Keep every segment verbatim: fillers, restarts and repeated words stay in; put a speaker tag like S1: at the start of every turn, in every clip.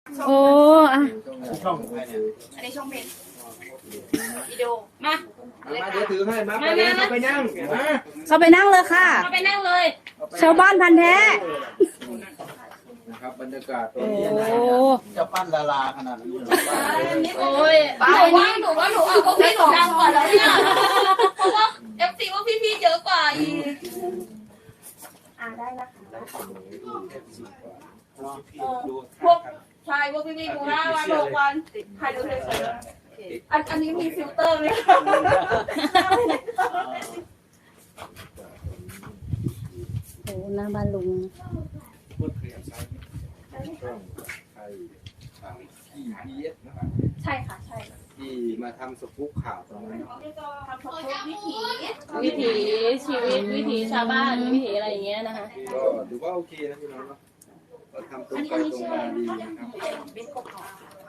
S1: โอ้อะ
S2: ช่องอะไรเนี่ย
S3: อันนี้ช่องเพลงวิดีโอมา
S2: มาเดี๋ยวถือให้มาไปนั่งไปนั่งมา
S1: เขาไปนั่งเลยค่ะ
S3: เราไปนั่งเลย
S1: ชาวบ้านพันธุ์แท้
S2: นะครับบรรยากาศตร
S1: โอ้
S2: งนี้นะ
S4: จะปั้นดาราขนาดนั้นเลย
S3: โอ้ยหนูว่าหนูว่าหนูเอาพวกพี่หนูดังกว่าแล้วเนี่ยเพราะว่าเอฟซีว่าพี่ๆเยอะกว่าอีกอ่าได้นะคะพวกชายพวกพี่ๆดูห้าวันหกวันใครดูเฉยๆอันอันนี้มีฟิลเตอร์ไหมคะ
S1: โหหน้าบ้านลุง
S2: พูดเคลียร์ใช้ช่องไทยทางที่พีเอสนะครับ
S3: ใช่ค่ะใช่
S2: ที่มาทำสกู๊ปข่าวตรงนั้น
S3: ทำทุกวิถี
S5: วิถีชีวิตวิถีชาวบ้านวิถีอะไรอย่างเงี้ยนะคะ
S2: ก็ถือว่าโอเคนะพี่น้องเนาะเราทำตรงไปตรงมาดีนะครับ
S3: เป็นกบของ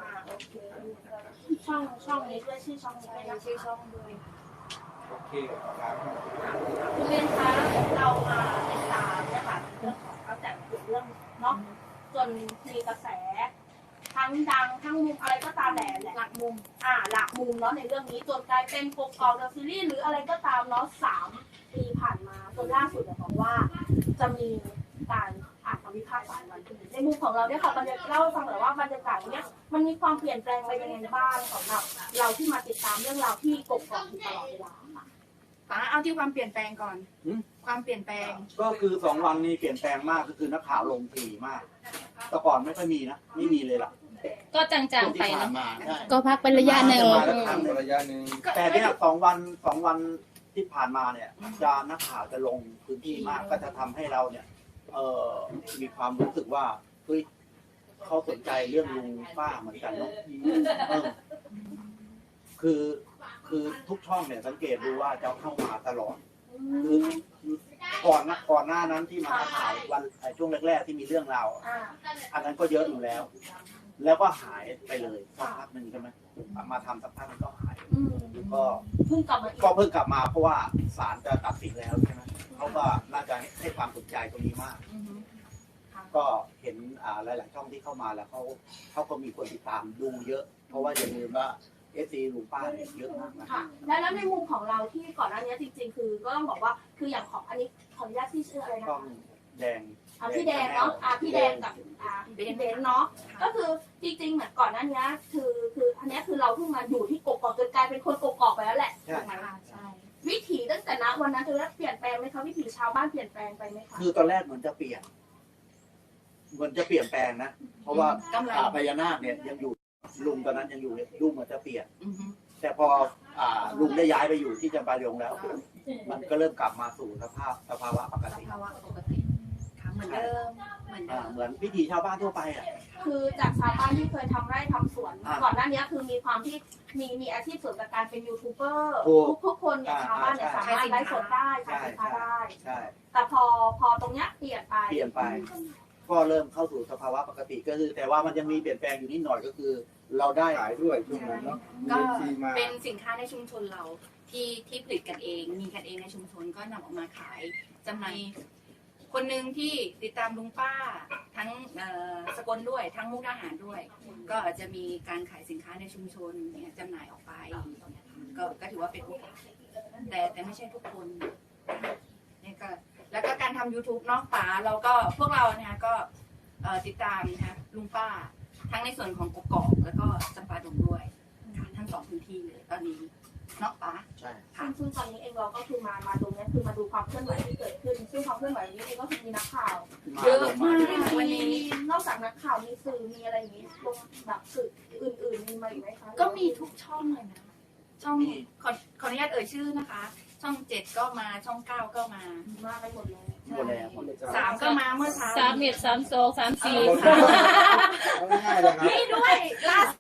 S3: ช่องช่องนี้ด้วยชื่อช่องนี้ด้วยนะชื่อช่องด้วย
S2: โอเคครับ
S3: คุณเรียนคะเรามาติดตามเนี่ยค่ะเรื่องของตั้งแต่เรื่องเนาะจนมีกระแสทั้งดังทั้งมุมอะไรก็ตามแหละหลักมุมอ่าหลักมุมเนาะในเรื่องนี้จนกลายเป็นโปรกอลเดอะซีรีส์หรืออะไรก็ตามเนาะสามปีผ่านมาจนล่าสุดเนี่ยบอกว่าจะมีการอ่านคำวิพากษ์ศาลวันที่ในมุมของเราเนี่ยค่ะบรรยากาศเล่าให้ฟังหน่อยว่าบรรยากาศเนี้ยมันมีความเปลี่ยนแปลงไปยังไงบ้างสำหรับเราที่มาติดตามเรื่องราวที่กบกองอยู่ตลอดเวลาค่ะ
S6: ป๋าเอาที่ความเปลี่ยนแปลงก่อน ความเปลี่ยนแปลง
S4: ก็คือสองวันนี้เปลี่ยนแปลงมากก็คือนักข่าวลงถี่มาก แต่ก่อนไม่ค่อยมีนะ ไม่มีเลยล่ะ
S5: ก็จาง
S4: ช่วง
S5: ๆไป
S4: ที่ผ่า
S5: นะ
S4: นมาใช่
S1: ก็พักเป็นระยะหนึ่ง
S4: มาแล้วครั้งหนึ่ง
S2: ระยะหนึ่ง
S4: แต่เนี่ยสองวันสองวันที่ผ่านมาเนี่ยจะนักข่าวจะลงพื้นที่มากก็จะทำให้เราเนี่ย เออมีความรู้สึกว่าเฮ้ยเขาสนใจเรื่องลุงป้าเหมือนกันเนาะเออคือคือทุกช่องเนี่ยสังเกตดูว่าจะเข้ามาตลอด คือก่อนนะก่อนหน้านั้นที่มาถ่ายวันช่วงแรกๆที่มีเรื่องราวอันนั้นก็เยอะอยู่แล้ว แล้วก็หายไปเลยสักพักหนึ่งใช่ไหมมาทำสักพักมันก็หายก็
S3: เพิ่งกลับมาอีก
S4: ก็เพิ่งกลับมาเพราะว่าศาลจะตัดสินแล้วใช่ไหมเขาก็น่าจะให้ความสนใจตรงนี้มาก ก็เห็นอ่าหลาย ๆ ช่องที่เข้ามาแล้วเขาเขาก็มีคนติดตามดูเยอะ เพราะว่าอย่าลืมว่าเอซีลุงป้าเนี่ยเยอะมากนะ
S3: ค่ะแล้วแล้วในมุมของเราที่ก่อนหน้านี้จริงๆ คือก็ต้องบอกว่าคืออย่างของอันนี้ขออนุญาตที่ชื่ออะไรนะ
S4: ช่อง
S3: คะ
S4: แดง
S3: อ่าพี่แดงเนาะอ่าพี่แดงกับอ่าเบนเบนเนาะก็คือจริงๆเหมือนก่อนหน้านี้คือคืออันนี้คือเราเพิ่งมาอยู่ที่กกอกจนกลายเป็นคนกกอกไปแล้วแหละ
S4: ใช่
S3: ถูกไหมคะใช่วิถีตั้งแต่ณวันนั้นคือเปลี่ยนแปลงไหมคะวิถีชาวบ้านเปลี่ยนแปลงไปไหมคะ
S4: คือตอนแรกเหมือนจะเปลี่ยนเหมือนจะเปลี่ยนแปลงนะเพราะว่าอ่าพญานาคเนี่ยยังอยู่ลุงตอนนั้นยังอยู่เลยลุงเหมือนจะเปลี่ยน แต่พออ่าลุงได้ย้ายไปอยู่ที่จำปาดงแล้ว มันก็เริ่มกลับมาสู่สภาพสภาวะปกติ
S6: ภาวะปกติค่ะเหมือนเดิม เหมือนเดิ
S4: อ่าม เหมือนพิธีชาวบ้านทั่วไปอ่ะ
S3: คือจากชาวบ้านที่เคยทำไร่ทำสวน
S4: อ่า
S3: ก่อนหน้านี้คือมีความที่มีมีอาชีพเสริมจากการเป็นยูทูบเบอร์
S4: ถูก
S3: ทุกทุกคนเนี่ย
S4: อ่า
S3: ชาวบ้านเนี่ย
S4: ใช่
S3: สามารถไลฟ์สดได้ขายสินค้าได้
S4: ใช่
S3: แต่พอพอตรงเนี้ยเปลี่ยนไป
S4: เปลี่ยนไป ก็เริ่มเข้าสู่สภาวะปกติก็คือแต่ว่ามันยังมีเปลี่ยนแปลงอยู่นิดหน่อยก็คือ เราได้
S2: ขายด้วยช่วงนั้นเนาะมี
S6: ก็
S2: ทีมา
S6: เป็นสินค้าในชุมชนเราที่ที่ผลิตกันเอง มีกันเองในชุมชนก็นำออกมาขายจำหน่ายคนหนึ่งที่ติดตามลุงป้าทั้งเอ่อสกลด้วยทั้งมุกดาหารด้วย ก็จะมีการขายสินค้าในชุมชนเนี่ยจำหน่ายออกไปก็ก็ถือว่าเป็นโอกาสแต่แต่ไม่ใช่ทุกคนนี่ก็แล้วก็การทำ YouTube เนอกป่าเราก็พวกเรานะคะก็เอ่อติดตามนะคะลุงป้า ทั้งในส่วนของกกอกแล้วก็จำปาดงด้วยค่ะทั้งสองพื้นที่เลยตอนนี้เนอกป่า
S4: ใช่
S3: ซึ่งซึ่งตอนนี้เองเราก็คือมามาตรงเนี้ยคือมาดูความเคลื่อนไหวที่เกิดขึ้น ซึ่งความเคลื่อนไหวนี้เองก็คือมีนักข่าว
S4: มา
S6: เยอะ
S4: ลง
S6: มาก
S3: วันนี้นอกจากนักข่าวมีสื่อมีอะไรอย่างนี้ลงแบบสื่ออื่นๆมีมาอีกไหมคะ
S6: ก็มีทุกช่องเลยนะช่องขอขออนุญาตเอ่ยชื่อนะคะ ช่องเจ็ดก็มาช่องเก้าก็มา
S3: มาไปหมดเลย
S4: หมดแล้วหมดแล้ว
S6: สามก็มาเมื่อเช้า
S5: สามเอ็ดสามสองสามสี่
S2: เอาง่ายๆเลยครับ
S6: นี่ด้วยล่าสุด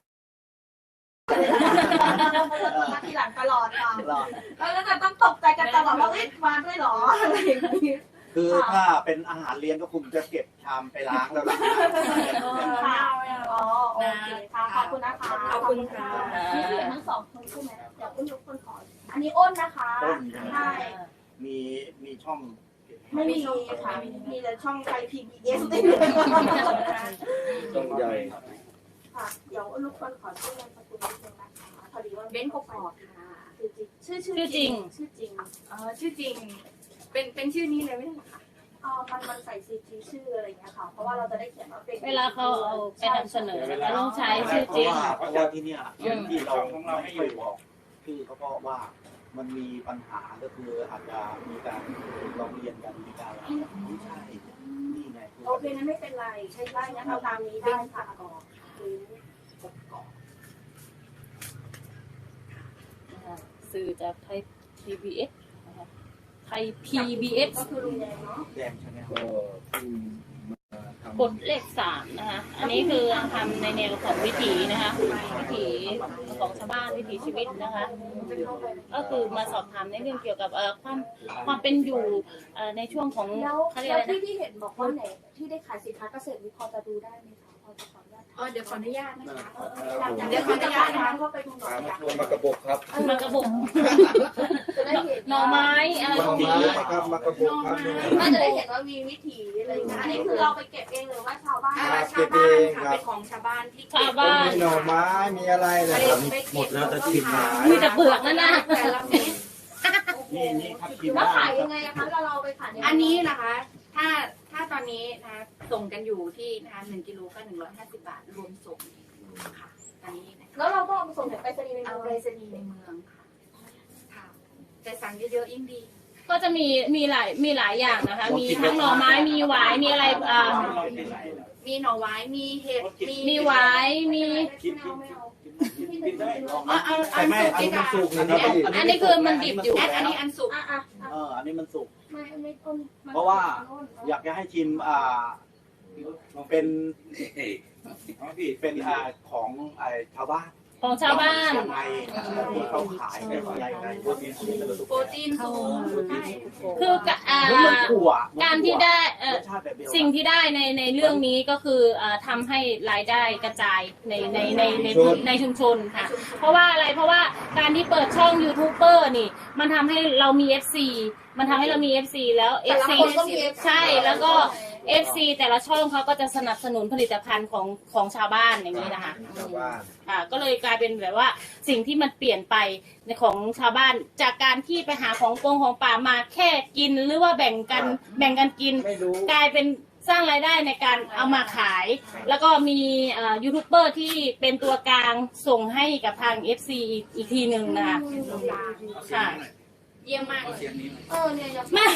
S3: มาทีหลังตลอดค่ะ
S4: รอด
S3: แล้วก็ต้องตกใจกันตลอดว่าเอ๊ะมาด้วยเหรออะไรอย่างนี้
S4: คือถ้าเป็นอาหารเลี้ยงก็คงจะเก็บชามไปล้างแล้วล่ะ
S3: ค่ะอ๋อโอเคค่ะขอบคุณนะคะ
S6: ขอบคุณค่ะ
S3: นี่คือทั้งสองคนใช่ไหมเดี๋ยวอ้นทุกคนขออันนี้อ้นนะคะ
S4: ต้นใช่ไหม
S3: ใช่
S4: มีมีช่อง
S3: ไม่มีค่ะมีแต่ช่องไทยพีบีเอส
S2: ต้องใหญ่
S3: ค่ะ เดี๋ยวลูกคนขอชื่อนามสกุลนิดนึงนะคะพอดีว่า
S6: เบ้นกกอกค่ะ
S3: ชื่อจริงชื่อ
S5: ชื่อจริง
S3: ชื่อจริง
S6: เออชื่อจริง เป็นเป็นชื่อนี้เลยไม่ใช่เหรอคะ
S3: เออมันมันใส่ซีจีชื่ออะไรอย่างเงี้ยค่ะ เพราะว่าเราจะได้เขียนว่าเป็น
S5: เวลาเขาเอาไปนำเสนอเขาต้องใช้ชื่อ
S4: เพ
S5: จริ
S4: ราะ
S5: ง
S4: ว่าเพราะว่าที่เนี่ย
S5: อืม
S4: ที่เราไม่ค่อยบอกชื่อเขาก็ว่ามันมีปัญหาก็คืออาจจะมีการร้องเรียนกันมีการอะไรไม่ใช่นี่ไงคือ
S3: โอเคนั้นไม่เป็นไรใช่ได้งั้นเอาตามนี้ได้ค่ะอืม
S5: นะคะสื่อจากไทย พี บี เอส นะคะไทย พี บี เอส
S3: ก็คือลุงแดงเนาะ
S4: แดงใช่ไหม
S2: ก็คือมาทำ
S5: กฎเลขสามนะคะ อันนี้คือทำในแนวของวิถีนะคะ วิถีของชาวบ้านวิถีชีวิตนะคะ ก็คือมาสอบถามในเรื่องเกี่ยวกับเอ่อความความเป็นอยู่เอ่อในช่วงของ
S3: แล้ว
S5: เขาเรียก
S3: แล้
S5: อะไร
S3: วที่
S5: นะ
S3: ที่เห็นบอกว่าไหนที่ได้ขายสินค้าเกษตรนี่พอจะดูได้ไหมคะพอจะขออนุญาต
S6: อ๋อเดี๋ยวขออนุญาตนะคะ
S3: เดี๋ยวขออนุญาตนะคะก็ไปดูหน่อ
S2: ตาม
S3: ย
S2: มาชวนมากระบอกครับ
S5: มากระบอก
S3: จะได้เห็น
S5: หน่อไม้อะไร
S2: ห
S5: พ
S2: น่
S5: ว
S2: อก
S5: นี้
S2: ไม้ครับมากระบอกครับ
S3: ก็จะได้เห็นว่ามีวิถีอะไรอย่างเงี้ยอันนี้คือเราไปเก็บเองหรือว่าชาวบ้าน
S6: อ่าชาวบ้านค่ะเป็นของชาวบ้านที่เก็บ
S5: ชาวบ้าน
S2: มีหน่อไม้มีอะไรนะครับ
S6: หมดแล้วจะชิม
S5: มีแต่เปลือกนั่นนะ
S6: แต่ละเม็ด
S4: นี่นี่ครับทีม
S3: แล้วขายยังไงอะคะเราเราไปขายยังไง
S6: อันนี้นะคะ ถ้าถ้าตอนนี้นะคะส่งกันอยู่ที่นะคะหนึ่งกิโลก็หนึ่งร้อยห้าสิบบาทรวมส่งค่ะตอนนี้นะคะ
S3: แล้วเราก็เอาไปส่งถึงไปรษณีย์ใน
S6: เอา
S3: เมื
S6: ไปร
S3: อง
S6: ษณีย์ในเมืองค่ะค่ะแต่สั่งเยอะๆยิ่งดี
S5: ก็จะมีมีหลายมีหลายอย่างนะคะ มีทั้งหน่อไม้มีหวายมีอะไรอ่า
S6: มีหน่อไม้มีเห็ดมี
S5: มีหวายมี
S3: ไม่เอา
S6: เอาเอา
S4: แต่
S6: อัน
S4: ไม่
S6: สุก
S4: อัน
S6: ดี
S4: นี้
S6: ก
S4: มัน
S6: ว่า
S4: สุกนะครับ
S5: อันนี้คือมันดิบอยู่
S6: อันอันนี้อันสุก
S3: อ่ะอ่ะ
S4: เอออันนี้มันสุก
S3: ไม่ไม่ต้น
S4: เพราะว่าอยากจะให้ชิมอ่าเป็นเป็นอ่าของไอ้ชาวบ้าน
S5: ของชาวบ้าน
S4: ยังไงที่เขาขายเป็นอะไรไงโปรตีนสูง
S6: โปรตีนสูง
S5: คือกะอ่า
S4: แล้วมันถั่ว
S5: การที่ได้เอ่อ
S4: รสชาติแบบเดียวกัน
S5: สิ่งที่ได้ในในเรื่องนี้ก็คืออ่าทำให้รายได้กระจายในในในในในชุมชนค่ะ เพราะว่าอะไรเพราะว่าการที่เปิดช่องยูทูบเบอร์นี่ มันทำให้เรามี เอฟ ซี มันทำให้เรามี เอฟ ซี แล้ว เอฟ ซี ใช่แล้วก็ เอฟ ซี แต่ละช่องเขาก็จะสนับสนุนผลิตภัณฑ์ของของชาวบ้านอย่างนี้นะคะ
S2: ชาวบ้าน
S5: อ่าก็เลยกลายเป็นแบบว่าสิ่งที่มันเปลี่ยนไปในของชาวบ้าน จากการที่ไปหาของกงของป่ามาแค่กินหรือว่าแบ่งกันแบ่งกันกิน
S2: ไม่รู้
S5: กลายเป็นสร้างรายได้ในการเอามาขาย แล้วก็มีเอ่อยูทูบเบอร์ที่เป็นตัวกลางส่งให้กับทาง เอฟ ซี อีกทีหนึ่งนะคะค่ะ
S6: เยี่ยมมากเลย
S3: เออเนี่ยยัง
S5: ไม่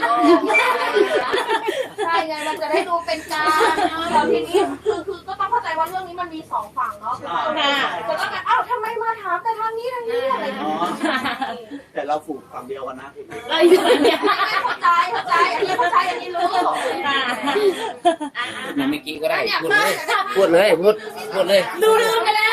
S3: ใช่ไงมันจะได้ดูเป็นกลางแล้วทีนี้คือคือก็ต้องเข้าใจว่าเรื่องนี้มันมีสองฝั่งเนาะก็ต้องแบบอ้าวทำไมมาถามแต่ทางนี้ทางนี้อะไรอย่างเงี้ย
S4: แต่เราฝูกฝั่งเดียวกันนะ
S5: เราอยู่เนี่ย
S3: เข้าใจเข้าใจอันนี้เข้าใจอันนี้รู้
S5: ค่ะ
S7: มาเมื่อกี้ก็ได้
S3: เนี่ย
S7: พูดเลยพูดเลยพูดพูดเลย
S5: ดูลืมไปแล้ว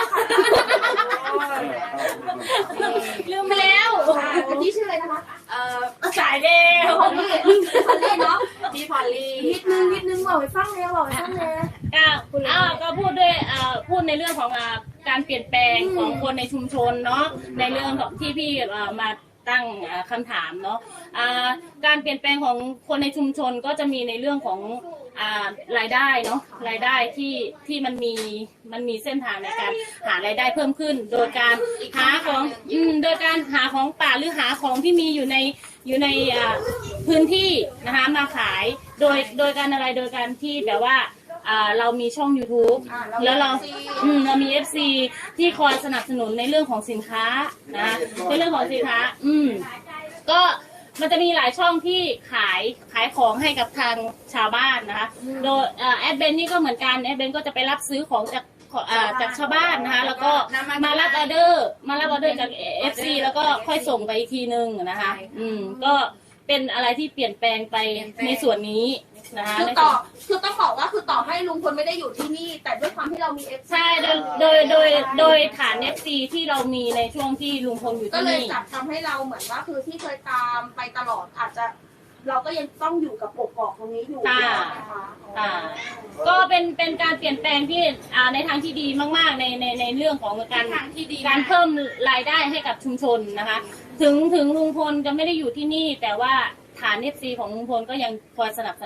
S5: ลืมไปแล้ว
S3: อันนี้ชื่ออะไรนะคะ
S6: เอ่อ
S5: สายเดียว
S3: พอลลี่พอลลี่เนาะ
S6: พี่พอลลี่
S3: นิดนึงนิดนึงบอกให้ฟังเลยบอกให้ฟังเลย
S5: ก็อ้าวก็พูดด้วยอ่าพูดในเรื่องของอ่าการเปลี่ยนแปลงของคนในชุมชนเนาะในเรื่องของที่พี่อ่ามาตั้งอ่าคำถามเนาะอ่าการเปลี่ยนแปลงของคนในชุมชนก็จะมีในเรื่องของอ่ารายได้เนาะรายได้ที่ที่มันมีมันมีเส้นทางในการหารายได้เพิ่มขึ้น โดยการหาของอืมโดยการหาของป่าหรือหาของที่มีอยู่ในอยู่ในอ่าพื้นที่นะคะมาขายโดยโดยการอะไรโดยการที่แบบว่าอ่าเรามีช่อง YouTube แล้วเราอืมเรามี เอฟ ซี ที่คอยสนับสนุนในเรื่องของสินค้านะในเรื่องของสินค้าอืมก็มันจะมีหลายช่องที่ขายขายของให้กับทางชาวบ้านนะคะโดยเอ่อแอดเบนนี่ก็เหมือนกันแอดเบนก็จะไปรับซื้อของจากอ่าจากชาวบ้านนะคะแล้วก็มารับออเดอร์มารับออเดอร์จาก เอฟ ซี แล้วก็ค่อยส่งไปอีกทีนึงนะคะอืมก็เป็นอะไรที่เปลี่ยนแปลงไปในส่วนนี้นะคะ
S3: คือต่อคือต้องบอกว่าคือต่อให้ลุงพลไม่ได้อยู่ที่นี่ แต่ด้วยความที่เรามีเอฟ
S5: ใช่โดยโดยโดยโดยฐาน เอฟ ซี ที่เรามีในช่วงที่ลุงพลอยู่
S3: ก็
S5: ที่
S3: เลย
S5: นี่
S3: จับทำให้เราเหมือนว่าคือที่เคยตามไปตลอดอาจจะ เราก็ยังต้องอยู่กับปกกอกตรงนี้อยู่
S5: ค่ะ
S3: นะคะ
S5: อ่าก็เป็นเป็นการเปลี่ยนแปลงที่อ่าในทางที่ดีมากๆในในในเรื่องของการ
S6: ทางที่ดี
S5: การเพิ่มรายได้ให้กับชุมชนนะคะ ถึงถึงลุงพลจะไม่ได้อยู่ที่นี่ แต่ว่าฐาน เอฟ ซี ของลุงพลก็ยังคอยสนับสนุน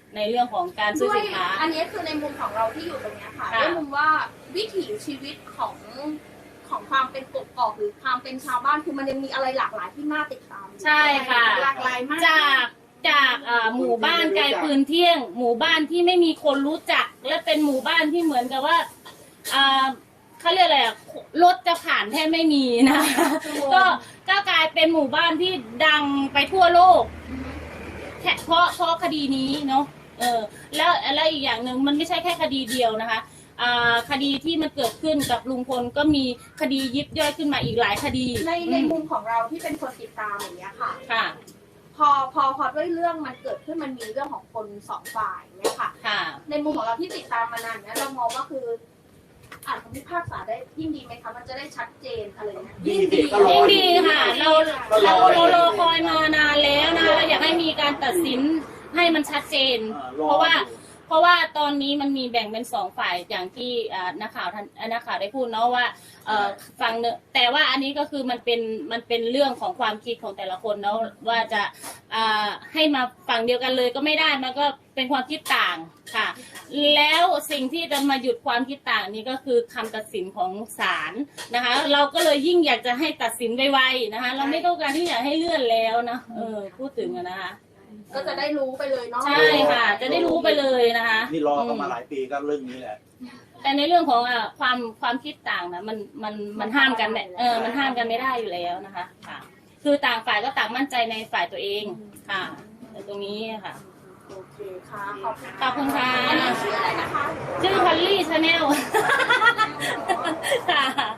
S5: ในเรื่องของการซื้อ
S3: ด้วย
S5: สินค้า
S3: อันนี้คือในมุมของเราที่อยู่ตรงเนี้ยค่ะ
S5: ค่ะ
S3: ในมุมว่าวิถีชีวิตของของความเป็นกกอกหรือความเป็นชาวบ้านคือมันยังมีอะไรหลากหลายที่น่าติดตาม
S5: ใช่ค่ะ
S3: หลากหลายมาก
S5: จากจากเอ่อหมู่บ้านไกลปืนเที่ยง หมู่บ้านที่ไม่มีคนรู้จัก และเป็นหมู่บ้านที่เหมือนกับว่าอ่าเขาเรียกอะไรอะรถจะผ่านแทบไม่มีนะก็ก็กลายเป็นหมู่บ้านที่ดังไปทั่วโลกแค่เพราะเพราะคดีนี้เนาะเออแล้วแล้วอีกอย่างหนึ่งมันไม่ใช่แค่คดีเดียวนะคะอ่าคดีที่มันเกิดขึ้นกับลุงพลก็มีคดียิบย่อยขึ้นมาอีกหลายคดี
S3: ในในมุมของเราที่เป็นคนติดตามอย่างเงี้ยค่ะ
S5: ค่ะ
S3: พอพอพอด้วยเรื่องมันเกิดขึ้นมันมีเรื่องของคนสองฝ่ายเนี่ยค่ะ
S5: ค่ะ
S3: ในมุมของเราที่ติดตามมานานเนี่ยเรามองว่าคืออ่านคำพิพากษาได้ยิ่งดีไหมคะมันจะได้ชัดเจนอะไรเงี้ย
S4: ดีสิก็รอ
S5: ยิ่ง
S4: อ
S5: ดี
S4: ยู่
S5: ค่ะ เราเราเรารอคอยมานานแล้วนะเราอยากให้มีการตัดสินให้มันชัดเจน
S4: อ่ารอ
S5: เพราะว่า
S4: อยู่
S5: เพราะว่าตอนนี้มันมีแบ่งเป็นสองฝ่ายอย่างที่อ่านักข่าวท่านอ่านักข่าวได้พูดเนาะว่าเอ่อฟังเนอะแต่ว่าอันนี้ก็คือมันเป็นมันเป็นเรื่องของความคิดของแต่ละคนเนาะว่าจะอ่าให้มาฝั่งเดียวกันเลยก็ไม่ได้มันก็เป็นความคิดต่างค่ะ แล้วสิ่งที่จะมาหยุดความคิดต่างนี้ก็คือคำตัดสินของศาลนะคะ เราก็เลยยิ่งอยากจะให้ตัดสินไวๆนะคะ เราไม่ต้องการที่อยากให้เลื่อนแล้วนะเออพูดถึงอะนะคะ
S3: ก็จะได้รู้ไปเลยเนาะ
S5: ใช่ค่ะ จะได้รู้ไปเลยนะคะ
S4: นี่รอกันมาหลายปีก็เรื่องนี้แหละ
S5: แต่ในเรื่องของอ่ะความความคิดต่างนะมันมันมันห้ามกันไม่เออมันห้ามกันไม่ได้อยู่แล้วนะคะค่ะ คือต่างฝ่ายก็ต่างมั่นใจในฝ่ายตัวเองค่ะแต่ตรงนี้ค่ะ
S3: โอเคค่ะขอบคุณ
S5: ขอบคุณค่ะ
S3: อันนี้ชื่ออะไรนะคะ
S5: ชื่อพอลลี่ชาแนลค่ะ